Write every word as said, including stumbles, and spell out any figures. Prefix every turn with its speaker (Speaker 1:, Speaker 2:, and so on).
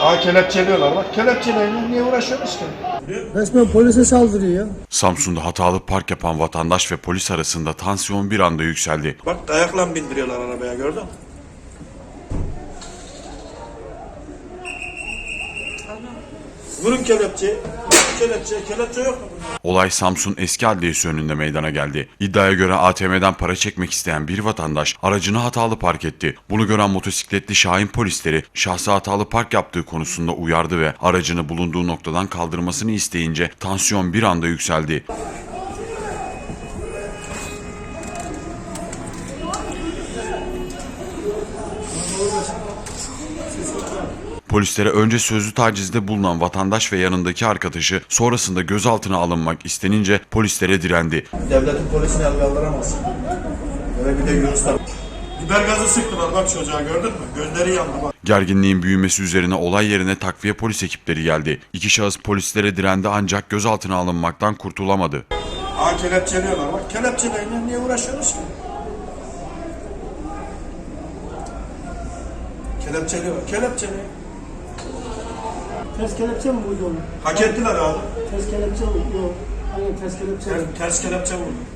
Speaker 1: Aa kelepçeliyorlar bak. Kelepçeleyle niye uğraşıyoruz ki?
Speaker 2: Resmen polise saldırıyor ya.
Speaker 3: Samsun'da hatalı park yapan vatandaş ve polis arasında tansiyon bir anda yükseldi.
Speaker 1: Bak dayakla bindiriyorlar arabaya, gördün mü? Vurun kelepçeyi. Kelepçe, kelepçe yok mu?
Speaker 3: Olay Samsun Eski Adliyesi önünde meydana geldi. İddiaya göre A T M'den para çekmek isteyen bir vatandaş aracını hatalı park etti. Bunu gören motosikletli Şahin polisleri şahsı hatalı park yaptığı konusunda uyardı ve aracını bulunduğu noktadan kaldırmasını isteyince tansiyon bir anda yükseldi. Polislere önce sözlü tacizde bulunan vatandaş ve yanındaki arkadaşı sonrasında gözaltına alınmak istenince polislere direndi.
Speaker 1: Devletin polisini el kaldıramazsın. Böyle bir de Yunuslar. Biber gazı sıktılar bak çocuğa, gördün mü? Gözleri yandı bak.
Speaker 3: Gerginliğin büyümesi üzerine olay yerine takviye polis ekipleri geldi. İki şahıs polislere direndi ancak gözaltına alınmaktan kurtulamadı.
Speaker 1: Aa kelepçeliyorlar bak. Kelepçeleyle niye uğraşıyoruz ki? Kelepçeliyorlar. Kelepçeliyor.
Speaker 2: Ters kelepçe mi vurdu onu?
Speaker 1: Hak ettiler abi.
Speaker 2: Ters kelepçe mi? Yok. Aynen ters kelepçe.
Speaker 1: Ters, ters kelepçe vurdu.